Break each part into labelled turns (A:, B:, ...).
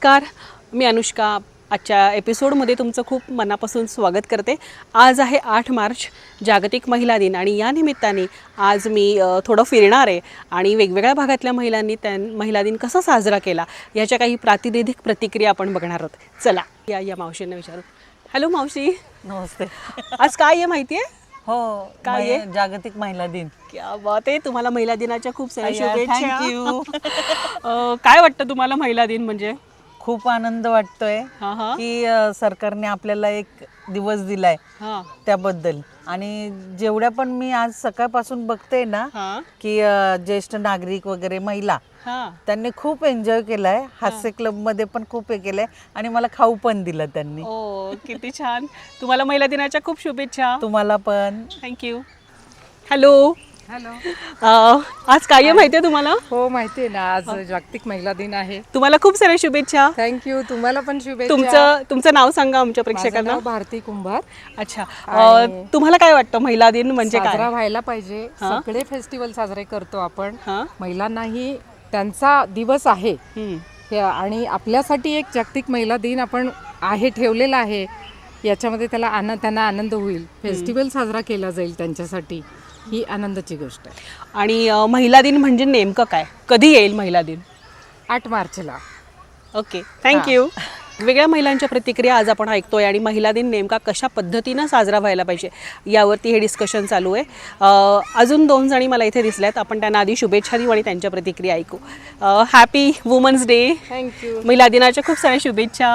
A: नमस्कार, मी अनुष्का. आजच्या एपिसोडमध्ये तुमचं खूप मनापासून स्वागत करते. आज आहे 8 मार्च, जागतिक महिला दिन, आणि या निमित्ताने आज मी थोडं फिरणार आहे आणि वेगवेगळ्या भागातल्या महिलांनी महिला दिन कसा साजरा केला याच्या काही प्रातिनिधिक प्रतिक्रिया आपण बघणार आहोत. चला या मावशींना विचारू. हॅलो मावशी,
B: नमस्ते.
A: आज काय आहे माहिती आहे?
B: हो,
A: काय आहे?
B: जागतिक महिला दिन.
A: क्या बात आहे. तुम्हाला महिला दिनाच्या खूप साऱ्या शुभेच्छा.
B: थँक्यू.
A: काय वाटतं तुम्हाला महिला दिन म्हणजे?
B: खूप आनंद वाटतोय
A: हां हां
B: की सरकारने आपल्याला एक दिवस दिलाय
A: हां
B: त्याबद्दल. आणि जेवढ्या पण मी आज सकाळपासून बघते ना
A: हां
B: की ज्येष्ठ नागरिक वगैरे महिला
A: हां
B: त्यांनी खूप एन्जॉय केलाय. हास्य क्लब मध्ये पण खूप हे केलंय आणि मला खाऊ पण दिलं त्यांनी.
A: ओ किती छान. तुम्हाला महिला दिनाच्या खूप शुभेच्छा.
B: तुम्हाला पण.
A: थँक्यू. हॅलो.
C: हॅलो.
A: आज काय आहे माहिती आहे तुम्हाला?
C: हो, माहिती आहे ना, आज जागतिक महिला दिन आहे.
A: तुम्हाला खूप साऱ्या शुभेच्छा.
C: थँक्यू. तुम्हाला पण शुभेच्छा.
A: तुमचं नाव सांगा आमच्या
C: माझं
A: प्रेक्षकांना.
C: नाव भारती कुंभार.
A: अच्छा. तुम्हाला काय वाटतं महिला दिन म्हणजे
C: साजरा
A: काय?
C: व्हायला पाहिजे. सगळे फेस्टिवल साजरे करतो आपण.
A: हां
C: महिलांनाही त्यांचा दिवस आहे
A: हम्म.
C: आणि आपल्यासाठी एक जागतिक महिला दिन आपण ठेवलेला आहे. याच्यामध्ये त्यांना आनंद होईल. फेस्टिवल साजरा केला जाईल त्यांच्यासाठी. ही आनंदाची गोष्ट आहे.
A: आणि महिला दिन म्हणजे नेमकं काय? कधी येईल महिला दिन?
C: 8 मार्चला.
A: Okay, thank you. वेगळ्या महिलांच्या प्रतिक्रिया आज आपण ऐकतोय आणि महिला दिन नेमका कशा पद्धतीनं साजरा व्हायला पाहिजे यावरती हे डिस्कशन चालू आहे. अजून 2 जणी मला इथे दिसल्यात. आपण त्यांना आधी शुभेच्छा देऊ आणि त्यांच्या प्रतिक्रिया ऐकू. Happy women's day.
C: थँक्यू.
A: महिला दिनाच्या खूप साऱ्या शुभेच्छा.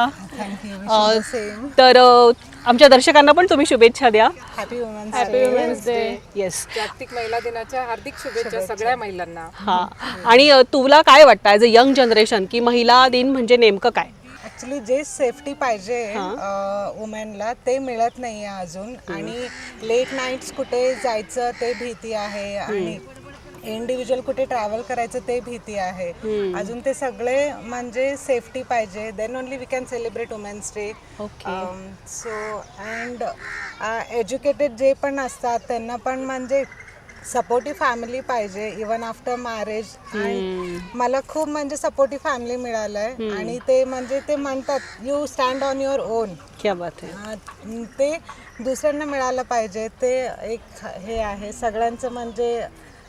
B: सेम.
A: तर आमच्या दर्शकांना पण तुम्ही शुभेच्छा द्या.
B: Happy women's
C: happy women's day.
A: Yes.
C: जागतिक महिला दिनाच्या हार्दिक शुभेच्छा सगळ्या महिलांना.
A: हां. आणि तुला काय वाटतं ॲज अ यंग जनरेशन की महिला दिन म्हणजे नेमकं काय?
D: ॲक्च्युली जे सेफ्टी पाहिजे वुमेनला ते मिळत नाही आहे अजून. आणि लेट नाईट्स कुठे जायचं ते भीती आहे आणि इंडिव्हिज्युअल कुठे ट्रॅव्हल करायचं ते भीती आहे अजून. ते सगळे म्हणजे सेफ्टी पाहिजे, then only we can celebrate women's day. So and educated जे पण असतात त्यांना पण म्हणजे सपोर्टिव्ह फॅमिली पाहिजे इवन आफ्टर मॅरेज. आणि मला खूप म्हणजे सपोर्टिव्ह फॅमिली मिळालं आहे आणि ते म्हणजे ते म्हणतात you stand on your own.
A: क्या बात आहे.
D: ते दुसऱ्यांना मिळालं पाहिजे. ते एक हे आहे सगळ्यांचं म्हणजे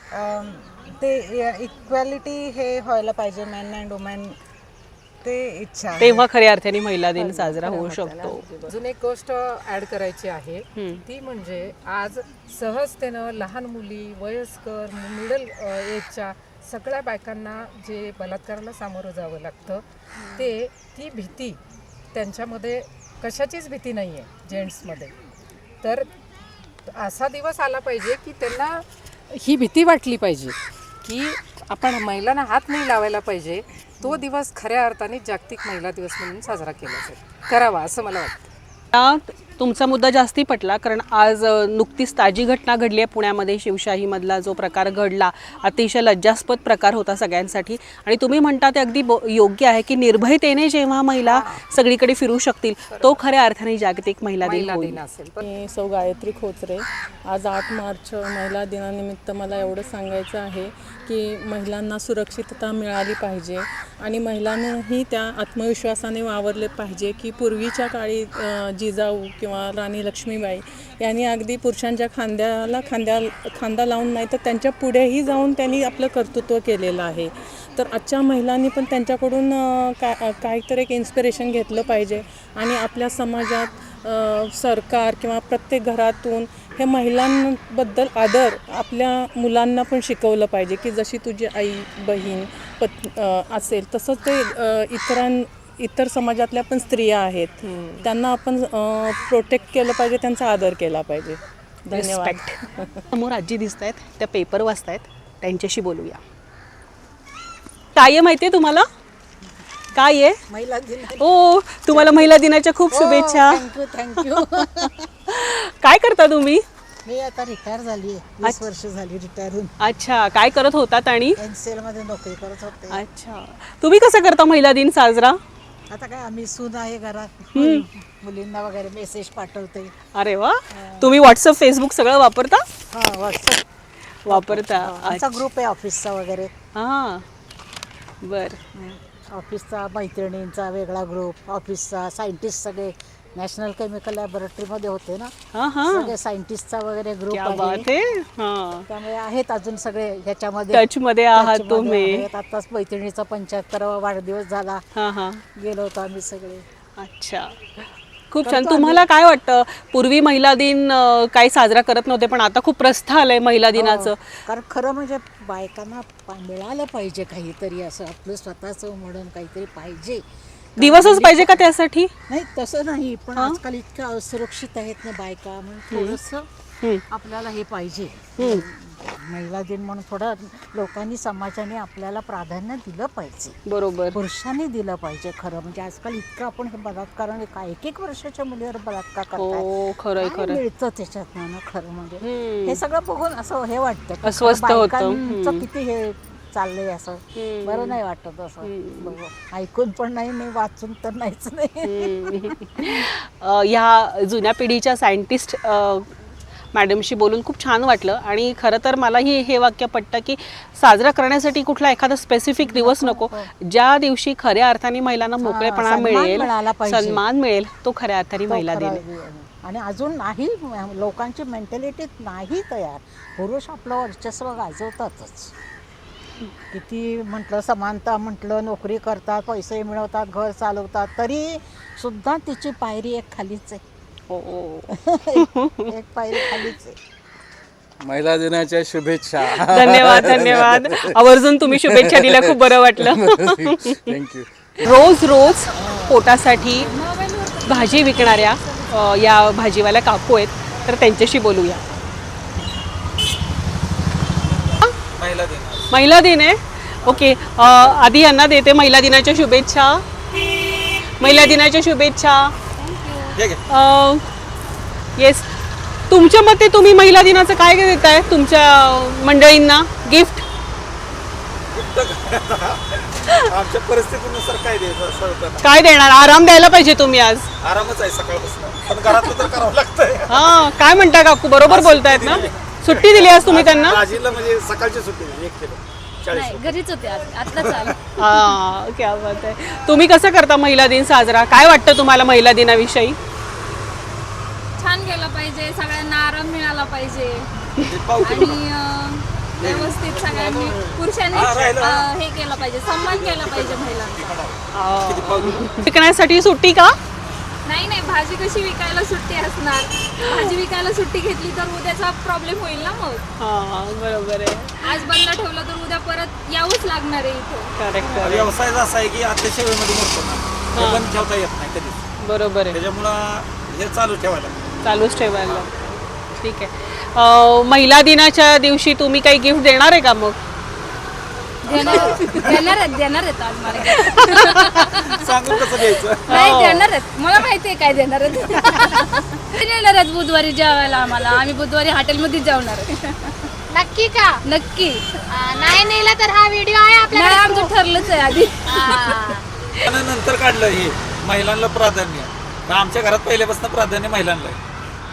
D: ते इक्वॅलिटी हे व्हायला पाहिजे मेन अँड वुमेन. ते इच्छा आहे.
A: तेव्हा खऱ्या अर्थाने महिला दिन साजरा होऊ शकतो.
C: अजून एक गोष्ट ऍड करायची आहे ती म्हणजे आज सहजतेनं लहान मुली, वयस्कर, मिडल एजच्या सगळ्या बायकांना जे बलात्काराला सामोरं जावं लागतं ती भीती त्यांच्यामध्ये कशाचीच भीती नाही आहे जेंट्समध्ये. तर असा दिवस आला पाहिजे की त्यांना ही भीती वाटली पाहिजे की आपण महिलांना हात नाही लावायला पाहिजे. तो दिवस खऱ्या अर्थाने जागतिक महिला दिवस म्हणून साजरा केला जाईल, करावा असं मला वाटतं.
A: तुमचा मुद्दा जास्ती पटला कारण आज नुकतीच ताजी घटना घडली आहे पुण्यामध्ये. शिवशाहीमधला जो प्रकार घडला अतिशय लज्जास्पद प्रकार होता सगळ्यांसाठी. आणि तुम्ही म्हणता ते अगदी योग्य आहे की निर्भयतेने जेव्हा महिला सगळीकडे फिरू शकतील तो खऱ्या अर्थाने जागतिक महिला दिन होईल.
C: असेल
E: मी सौ गायत्री खोचरे. आज 8 मार्च महिला दिनानिमित्त मला एवढं सांगायचं आहे की महिलांना सुरक्षितता मिळाली पाहिजे आणि महिलांनाही त्या आत्मविश्वासाने वावरले पाहिजे की पूर्वीच्या काळी जिजाऊ किंवा राणी लक्ष्मीबाई यांनी अगदी पुरुषांच्या खांदा लावून नाही तर त्यांच्या पुढेही जाऊन त्यांनी आपलं कर्तृत्व केलेलं आहे. तर आजच्या महिलांनी पण त्यांच्याकडून काहीतरी एक इन्स्पिरेशन घेतलं पाहिजे आणि आपल्या समाजात सरकार किंवा प्रत्येक घरातून हे महिलांबद्दल आदर आपल्या मुलांना पण शिकवलं पाहिजे की जशी तुझी आई बहीण असेल तसंच ते इतर समाजातल्या पण स्त्रिया आहेत त्यांना आपण प्रोटेक्ट केलं पाहिजे, त्यांचा आदर केला पाहिजे. धन्यवाद.
A: समोर आजी दिसत आहेत, त्या पेपर वाचतायत, त्यांच्याशी बोलूया. काय आहे माहिती आहे तुम्हाला? काय आहे?
F: महिला दिन.
A: हो, तुम्हाला महिला दिनाच्या खूप शुभेच्छा.
F: थँक्यू.
A: काय करता तुम्ही?
F: मी आता रिटायर झाली आहे, 20 वर्ष झाली रिटायर होऊन.
A: अच्छा, काय करत होतात? आणि
F: NCL मध्ये नोकरी करत होते.
A: अच्छा, तुम्ही कसं करता महिला दिन साजरा?
F: आता काय आम्ही सून आहे घरात, मुलींना वगैरे मेसेज पाठवते.
A: अरे वा. तुम्ही व्हॉट्सअप, फेसबुक सगळं वापरता?
F: हां, व्हॉट्सअप
A: वापरता.
F: आमचा ग्रुप आहे ऑफिसचा वगैरे.
A: हां, बर.
F: ऑफिसचा मैत्रिणींचा वेगळा ग्रुप, ऑफिसचा सायंटिस्ट सगळे नॅशनल केमिकल लॅबोरेटरीमध्ये होते ना,
A: हां हां,
F: सगळे सायंटिस्टचा वगैरे ग्रुप
A: क्या
F: आहे.
A: बात आहे. हां,
F: त्यामुळे आहेत अजून सगळे ह्याच्यामध्ये
A: टचमध्ये आहात
F: टचमध्ये
A: तुम्ही.
F: आहेत. आताच मैत्रिणीचा 75वा वाढदिवस झाला,
A: हां हां,
F: गेलो होतो आम्ही सगळे.
A: अच्छा, खूप छान. तुम्हाला काय वाटतं, पूर्वी महिला दिन काही साजरा करत नव्हते, पण आता खूप प्रस्थ आलंय महिला दिनाचं.
F: कारण खरं म्हणजे बायकांना मिळालं पाहिजे काहीतरी, असं आपलं स्वतःचं म्हणून काहीतरी पाहिजे.
A: दिवसच पाहिजे का त्यासाठी?
F: नाही तसं नाही, पण आजकाल इतक्या असुरक्षित आहेत ना बायका, म्हणून थोडंसं आपल्याला हे पाहिजे. महिला दिन म्हणून थोडं लोकांनी, समाजाने आपल्याला प्राधान्य दिलं पाहिजे,
A: बरोबर.
F: पुरुषांनी दिलं पाहिजे. खरं म्हणजे आजकाल इतकं आपण हे बलात्काराने काय एक वर्षाच्या मुलीवर बलात्कार
A: हो,
F: करतात,
A: खरंय,
F: काय
A: खरंय.
F: मिळतं त्याच्यात ना खरं म्हणजे. हे सगळं बघून असं हे वाटतं की
A: अस्वस्थ
F: खरं
A: होतं.
F: बायकांचं किती हे चाललंय, असं बरं नाही वाटत असं. ऐकून पण नाही, नाही वाचून तर नाहीच नाही.
A: ह्या जुन्या पिढीच्या सायंटिस्ट मॅडमशी बोलून खूप छान वाटलं. आणि खरं तर मलाही हे वाक्य पटतं की साजरा करण्यासाठी कुठला एखादा स्पेसिफिक दिवस नको, ज्या दिवशी खऱ्या अर्थाने महिलांना मोकळेपणा
F: सन्मान
A: मिळेल,
F: मिळाला पाहिजे.
A: सन्मान मिळेल, तो खऱ्या अर्थाने
F: तो
A: महिला दिन
F: खरा
A: आहे.
F: आणि अजून नाही, लोकांची मेंटॅलिटी नाही तयार. पुरुष आपलं वर्चस्व गाजवतातच. किती म्हटलं समानता म्हटलं, नोकरी करतात, पैसे मिळवतात, घर चालवतात, तरी सुद्धा तिची पायरी एक खालीच आहे.
A: हो.
F: एक पायरी खालीच आहे.
G: महिला दिनाच्या शुभेच्छा.
A: धन्यवाद, धन्यवाद. आवर्जून तुम्ही शुभेच्छा दिल्या, खूप बरं वाटलं.
G: थँक्यू.
A: रोज रोज पोटासाठी भाजी विकणाऱ्या या भाजीवाल्या काकू आहेत, तर त्यांच्याशी बोलूया. महिला दिन आहे. ओके, आधी यांना देते महिला दिनाच्या शुभेच्छा. महिला दिनाच्या शुभेच्छा. येस, तुमच्या मते तुम्ही महिला दिनाचं काय देताय तुमच्या मंडळींना गिफ्ट?
H: आमच्या परिस्थितीनुसार काय द्यायचं,
A: काय देणार? आराम द्यायला पाहिजे तुम्ही आज.
H: आरामच आहे सकाळपासून, पण घरातलं तर करावं लागतंय.
A: हा, काय म्हणता काकू, बरोबर बोलतायत ना? सुट्टी दिली आज तुम्ही त्यांना?
H: भाजीला म्हणजे सकाळची सुट्टी दिली, 1 किलो 40.
I: घरीच होते आत्ताच आले.
A: हा, क्या बात आहे. तुम्ही कसं करता महिला दिन साजरा? काय वाटतं तुम्हाला महिला दिनाविषयी?
I: छान केलं पाहिजे, सगळ्यांना आराम मिळाला पाहिजे आणि व्यवस्थित सगळ्यांनी पुरुषांनी हे केलं पाहिजे, सन्मान केला पाहिजे महिलांचा.
A: शिकण्यासाठी सुट्टी का?
I: नाही नाही, भाजी कशी विकायला सुट्टी असणार? भाजी विकायला सुट्टी घेतली तर उद्याचा प्रॉब्लेम होईल ना मग.
A: हा, बरोबर आहे.
I: आज बंद ठेवलं तर उद्या परत यावंच लागणार आहे इथे.
A: करेक्ट,
H: व्यवसाय असा आहे की अतिशय वेळेमध्ये मोडतो ना, ते बंद ठेवता येत नाही कधीच.
A: बरोबर आहे.
H: त्याच्यामुळं हे चालू ठेवायला
A: चालूच ठेवायला. ठीक आहे. महिला दिनाच्या दिवशी तुम्ही काही गिफ्ट देणार आहे का मग?
I: देणार आहेत आज मला.
H: सांगून कसं घ्यायचं.
I: नाही देणार आहेत, मला माहिती आहे काय देणार आहेत. देणार आहेत बुधवारी जेवायला आम्हाला. आम्ही बुधवारी हॉटेलमध्ये जेवणार आहे.
J: नक्की का?
I: नक्की.
J: नाही नेला तर हा व्हिडिओ आहे
I: नाही,
J: आपल्याला.
I: आमचं ठरलंच आहे आधी.
H: आणि नंतर काढलं हे महिलांना प्राधान्य. पण आमच्या घरात पहिल्यापासून प्राधान्य महिलांना आहे.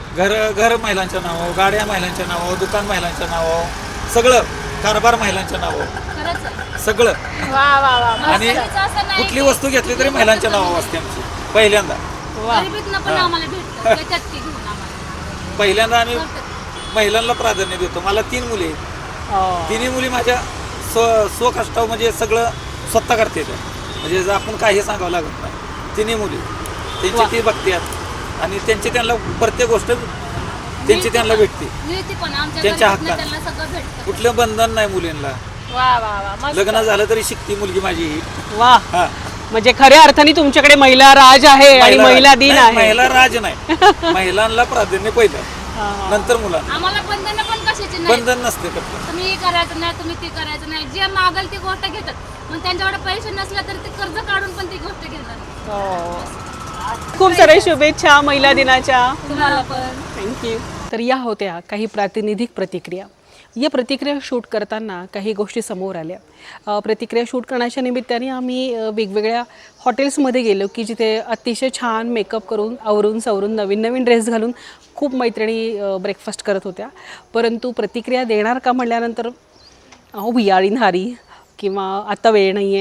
H: घर महिलांच्या नावावर, गाड्या महिलांच्या नावावर, दुकान महिलांच्या नावावर, सगळं कारभार महिलांच्या नावावर,
I: खरंच आहे.
H: सगळं.
I: वा वा वा.
H: आणि
I: असं नाही
H: कुठली वस्तू घेतली तरी महिलांच्या नावावर असते आमची पहिल्यांदा.
I: गरिबीतनं पण आम्हाला भेटतं त्याच्यात ती घेऊन आम्हाला.
H: पहिल्यांदा आम्ही महिलांना प्राधान्य देतो. मला 3 मुली आहेत. तिन्ही मुली माझ्या स्वकष्टावर म्हणजे सगळं स्वतः करते. म्हणजे जर आपण काही सांगावं लागत नाही. तिन्ही मुली त्यांची ती बघतात आणि त्यांची त्यांना प्रत्येक गोष्ट त्यांची त्यांना भेटते.
I: मिळते पण आमच्या
H: त्यांच्या
I: गरिबीतनं
H: हक्कात.
I: त्यांना सगळं भेटतं.
H: कुठलं बंधन नाही मुलींना.
I: वा वा वा. मस्त.
H: लग्न झालं तरी शिकती मुलगी माझी ही.
A: वा,
H: हा,
A: म्हणजे खऱ्या अर्थाने तुमच्याकडे महिला राज आहे आणि महिला दिन
H: नाही,
A: आहे.
H: महिला राज नाही. महिलांना प्राधान्य पहिलं, नंतर मुलांना.
I: आम्हाला बंधन पण कशाची नाही.
H: बंधन नसते फक्त.
I: तुम्ही हे करायचं नाही, तुम्ही ते करायचं नाही. जे मागल ती गोष्ट घेतात. मग त्यांच्याकडे पैसे नसले तर ते कर्ज काढून पण ती गोष्ट घेतात.
A: खूप साऱ्या शुभेच्छा महिला दिनाच्या.
I: तुम्हाला पण.
A: थँक्यू. तर या होत्या काही प्रातिनिधिक प्रतिक्रिया. या प्रतिक्रिया शूट करताना काही गोष्टी समोर आल्या. प्रतिक्रिया शूट करण्याच्या निमित्ताने आम्ही वेगवेगळ्या हॉटेल्समध्ये गेलो की जिथे अतिशय छान मेकअप करून, आवरून सवरून, नवीन नवीन ड्रेस घालून खूप मैत्रिणी ब्रेकफास्ट करत होत्या. परंतु प्रतिक्रिया देणार का म्हटल्यानंतर वी आर इन हरी किंवा आता वेळ नाही आहे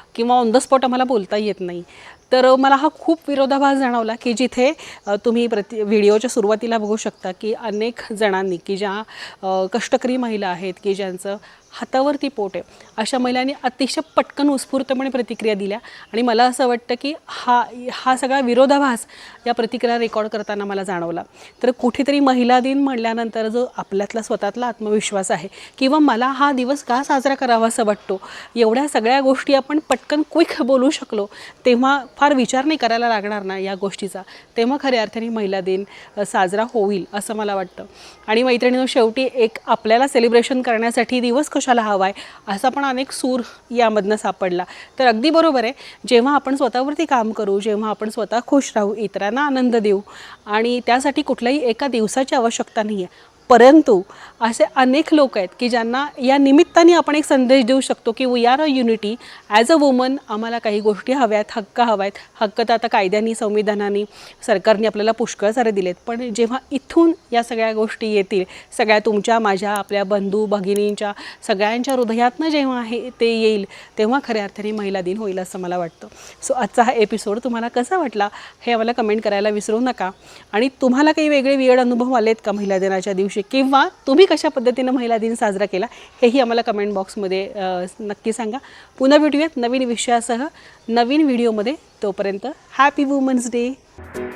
A: किंवा ऑन द स्पॉट आम्हाला बोलता येत नाही. तर मला हा खूप विरोधाभास जाणवला की जिथे तुम्ही व्हिडिओच्या सुरुवातीला बघू शकता की अनेक जणांनी की ज्या कष्टकरी महिला आहेत की ज्यांचं हातावरती पोट आहे अशा महिलांनी अतिशय पटकन उत्स्फूर्तपणे प्रतिक्रिया दिल्या. आणि मला असं वाटतं की हा सगळा विरोधाभास या प्रतिक्रिया रेकॉर्ड करताना मला जाणवला. तर कुठेतरी महिला दिन म्हणल्यानंतर जो आपल्यातला स्वतःतला आत्मविश्वास आहे किंवा मला हा दिवस का साजरा करावा असं वाटतो, एवढ्या सगळ्या गोष्टी आपण पटकन क्विक बोलू शकलो तेव्हा फार विचार नाही करायला लागणार ना या गोष्टीचा, तेव्हा खऱ्या अर्थाने महिला दिन साजरा होईल असं मला वाटतं. आणि मैत्रिणींनो, शेवटी एक आपल्याला सेलिब्रेशन करण्यासाठी दिवस कशाला हवा आहे असा पण अनेक सूर यामधनं सापडला. तर अगदी बरोबर आहे, जेव्हा आपण स्वतःवरती काम करू, जेव्हा आपण स्वतः खुश राहू, इतरांना आनंद देऊ आणि त्यासाठी कुठल्याही एका दिवसाची आवश्यकता नाही आहे, परंतु असे अनेक लोक आहेत की ज्यांना या निमित्ताने आपण एक संदेश देऊ शकतो की we are a unity as a woman. आम्हाला काही गोष्टी हव्यात, हक्क हवायत. हक्क तर आता कायद्याने, संविधानाने, सरकारने आपल्याला पुष्कळ सारे दिलेत, पण जेव्हा इथून या सगळ्या गोष्टी येतील, सगळ्या तुमच्या, माझ्या, आपल्या बंधू भगिनींच्या सगळ्यांच्या हृदयातनं जेव्हा ते येईल तेव्हा खऱ्या अर्थाने महिला दिन होईल असं मला वाटतं. सो आजचा हा एपिसोड तुम्हाला कसा वाटला हे आम्हाला कमेंट करायला विसरू नका. आणि तुम्हाला काही वेगळे वियर्ड अनुभव आलेत का महिला दिनाच्या दिवशी, किंवा तुम्ही कशा पद्धतीनं महिला दिन साजरा केला हेही आम्हाला कमेंट बॉक्समध्ये नक्की सांगा. पुन्हा भेटूयात नवीन विषयासह नवीन व्हिडिओमध्ये. तोपर्यंत हॅपी वुमन्स डे.